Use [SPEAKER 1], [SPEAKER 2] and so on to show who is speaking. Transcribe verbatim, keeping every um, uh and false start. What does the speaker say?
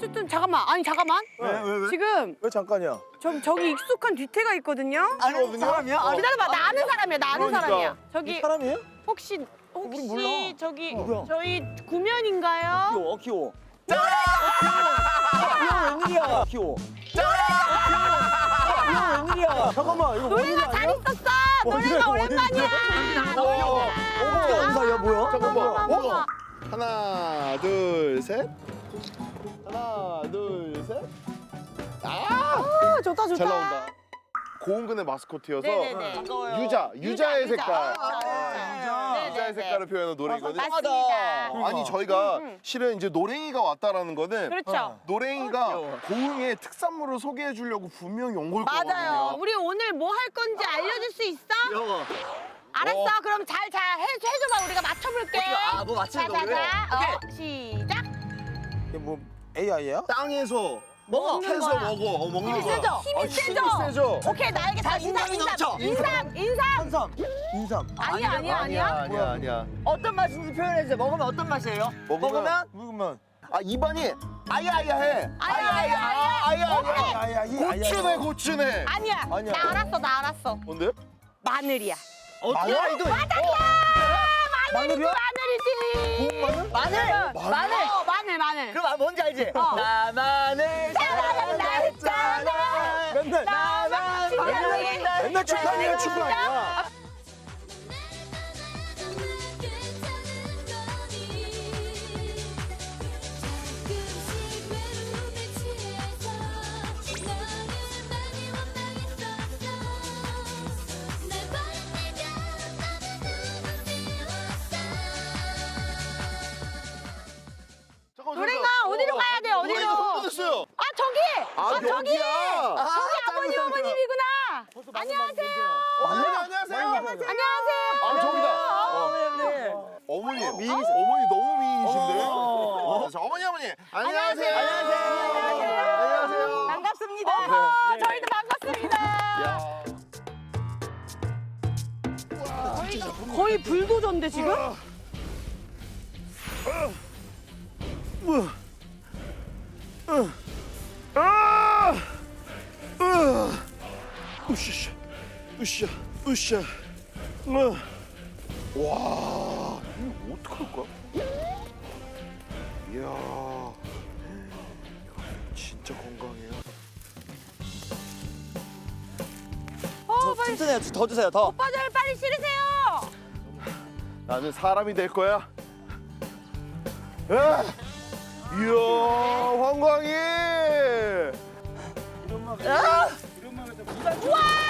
[SPEAKER 1] 어쨌든 잠깐만. 아니 잠깐만.
[SPEAKER 2] 왜, 왜, 왜?
[SPEAKER 1] 지금
[SPEAKER 2] 왜 잠깐이야?
[SPEAKER 1] 저 저기 익숙한 뒤태가 있거든요.
[SPEAKER 2] 아는
[SPEAKER 3] 사람이야?
[SPEAKER 2] 어.
[SPEAKER 1] 기다려봐. 나 아는 사람이야. 나 아는
[SPEAKER 2] 그러니까.
[SPEAKER 1] 사람이야. 저기
[SPEAKER 2] 사람이에요?
[SPEAKER 1] 혹시 혹시
[SPEAKER 2] 우린 몰라.
[SPEAKER 1] 저기
[SPEAKER 3] 누구야?
[SPEAKER 1] 저희 구면인가요?
[SPEAKER 3] 귀여워, 귀여워. 귀여워, 웬일이야? 귀여워. 귀여워, 웬일이야?
[SPEAKER 2] 잠깐만 이거
[SPEAKER 1] 노래가 잘 있었어. 노래가 오랜만이야.
[SPEAKER 2] 어,
[SPEAKER 3] 어떻게 아는 사이야, 뭐야?
[SPEAKER 2] 잠깐만.
[SPEAKER 1] 어머.
[SPEAKER 2] 어? 하나, 둘, 셋. 하나, 둘, 셋. 아,
[SPEAKER 1] 아, 좋다 좋다.
[SPEAKER 2] 잘 나온다. 고은근의 마스코트여서
[SPEAKER 1] 네네네.
[SPEAKER 2] 유자, 유자의
[SPEAKER 1] 유자.
[SPEAKER 2] 색깔.
[SPEAKER 1] 아, 그렇죠, 그렇죠. 네네네.
[SPEAKER 2] 유자의 색깔을 표현한 노래거든요.
[SPEAKER 1] 맞습니다.
[SPEAKER 2] 어, 아니 저희가
[SPEAKER 1] 음, 음.
[SPEAKER 2] 실은 이제 노랭이가 왔다라는 거는
[SPEAKER 1] 그렇죠.
[SPEAKER 2] 노랭이가 고흥의 특산물을 소개해 주려고 분명히 온 걸
[SPEAKER 1] 맞아요.
[SPEAKER 2] 거거든요.
[SPEAKER 1] 우리 오늘 뭐 할 건지 알려줄 수 있어?
[SPEAKER 3] 귀여워.
[SPEAKER 1] 알았어.
[SPEAKER 2] 어.
[SPEAKER 1] 그럼 잘 잘 해줘봐. 우리가 맞춰볼게.
[SPEAKER 3] 아, 뭐 맞추는 거 그래?
[SPEAKER 1] 자자자. 어, 시작.
[SPEAKER 2] 이게 뭐 에이아이야? 땅에서
[SPEAKER 3] 먹어.
[SPEAKER 2] 캐서
[SPEAKER 1] 거야.
[SPEAKER 2] 먹어. 어, 먹는
[SPEAKER 1] 힘이
[SPEAKER 2] 거야.
[SPEAKER 1] 세죠?
[SPEAKER 2] 아,
[SPEAKER 1] 힘이 세죠?
[SPEAKER 2] 세죠?
[SPEAKER 1] 오케이 나에게 다 인삼
[SPEAKER 3] 자신감이
[SPEAKER 1] 인삼
[SPEAKER 3] 넘쳐.
[SPEAKER 1] 인삼 인삼.
[SPEAKER 3] 한삼.
[SPEAKER 2] 인삼.
[SPEAKER 1] 아니야 아니야 아니야.
[SPEAKER 2] 아니야 아니야.
[SPEAKER 3] 어떤 맛인지 표현해주세요. 먹으면 어떤 맛이에요? 먹으면?
[SPEAKER 2] 먹으면 아 입안이 아야아야해.
[SPEAKER 1] 아야야야.
[SPEAKER 2] 아야아야. 아야아야. 고추네 고추네.
[SPEAKER 1] 아니야.
[SPEAKER 2] 아니야.
[SPEAKER 1] 나 알았어 나 알았어.
[SPEAKER 2] 뭔데?
[SPEAKER 1] 마늘이야.
[SPEAKER 3] 어떻게?
[SPEAKER 2] 마늘?
[SPEAKER 3] 이거
[SPEAKER 2] 마늘이야?
[SPEAKER 1] 마늘이지.
[SPEAKER 2] 마늘?
[SPEAKER 3] 마늘.
[SPEAKER 2] 마늘?
[SPEAKER 3] 마늘.
[SPEAKER 1] 어 마늘 마늘.
[SPEAKER 3] 그럼 아, 뭔지 알지?
[SPEAKER 1] 어.
[SPEAKER 3] 나만을
[SPEAKER 1] 사랑한다 했잖아.
[SPEAKER 2] 맨날
[SPEAKER 1] 나만 사랑해.
[SPEAKER 2] 맨날 축하해 축하해.
[SPEAKER 1] 노래가 어디로 가야 돼 어디로?
[SPEAKER 2] 됐어요.
[SPEAKER 1] 아 저기.
[SPEAKER 2] 아,
[SPEAKER 1] 아 저기.
[SPEAKER 2] 여기야.
[SPEAKER 1] 저기 아버님 어머님이구나. 안녕하세요.
[SPEAKER 2] 어머니 안녕하세요.
[SPEAKER 1] 안녕하세요.
[SPEAKER 2] 아 저기다. 어.
[SPEAKER 3] 어머니.
[SPEAKER 2] 어머니 미인 어머니 너무 미인이신데. 어, 저 어머니 어머니 안녕하세요.
[SPEAKER 1] 안녕하세요.
[SPEAKER 2] 안녕하세요.
[SPEAKER 3] 반갑습니다.
[SPEAKER 1] 어머, 저희도 반갑습니다.
[SPEAKER 2] 야.
[SPEAKER 1] 거의 불도저인데 지금?
[SPEAKER 2] 아! 으! 으쌰, 으쌰, 으쌰. 으. 와, 이거 어떡할까? 이야, 진짜 건강해요.
[SPEAKER 1] 어, 빨리
[SPEAKER 3] 튼튼해요. 더 주세요, 더.
[SPEAKER 1] 오빠들 빨리 실으세요.
[SPEAKER 2] 나는 사람이 될 거야. 아! 이야, 황광이.
[SPEAKER 3] 아!
[SPEAKER 1] 우와!